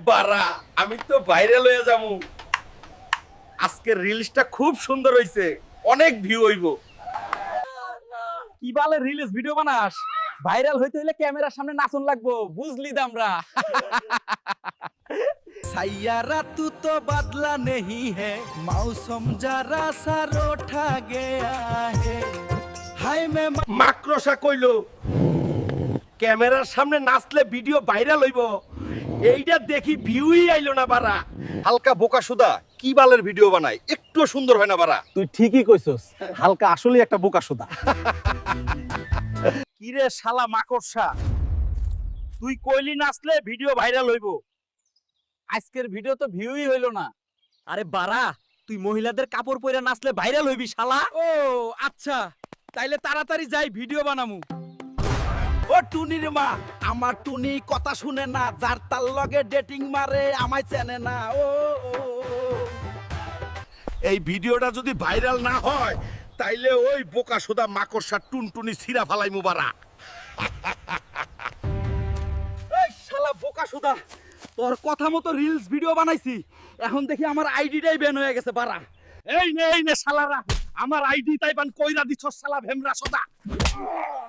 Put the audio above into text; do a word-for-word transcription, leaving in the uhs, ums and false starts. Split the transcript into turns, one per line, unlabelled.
বারা আমি তো ভাইরাল হয়ে যাবো। আজকের রিলসটা খুব সুন্দর হইছে, অনেক ভিউ হইব।
কি বালে রিলস ভিডিও বানাস? ভাইরাল হইতে হইলে ক্যামেরার সামনে নাচন লাগবো, বুঝলি দামরা।
सैयारा तू तो बदला नहीं है, मौसम जरा सा रोठा गया है। हाय मैं
মাকড়সা কইলো ক্যামেরার সামনে নাচলে ভিডিও ভাইরাল হইব, এইটা দেখি ভিউই আইলো না বারা। হালকা বোকা সুদা কি বালের ভিডিও বানায়, একটু সুন্দর হয় না বারা।
তুই ঠিকই কইছস, হালকা আসলেই একটা বোকা সোদা। কি রে শালা মাকড়সা, তুই কইলি নাচলে ভিডিও ভাইরাল হইব, আজকের ভিডিও তো ভিউই হইলো না।
আরে বাড়া, তুই মহিলাদের কাপড় পরে নাচলে ভাইরাল হইবি শালা।
ও আচ্ছা, তাইলে তাড়াতাড়ি যাই ভিডিও বানামু।
ও টুনির মা, আমার টুনি কথা শুনে না, যার তার লগে ডেটিং মারে আমায় চেনে না। ও ও, ও।
এই ভিডিওটা যদি ভাইরাল না হয় তাইলে ওই বোকা সুদা মাকড়সা টুনটুনি ছিঁড়া ফালাইমু বারা।
এই শালা বোকা সুদা, তোর কথা মতো রিলস ভিডিও বানাইছি, এখন দেখি আমার আইডিটাই ব্যান হয়ে গেছে বারা।
এই নে এই নে শালারা, আমার আইডি তাইবান কইরা দিছস শালা ভেমরা সুদা।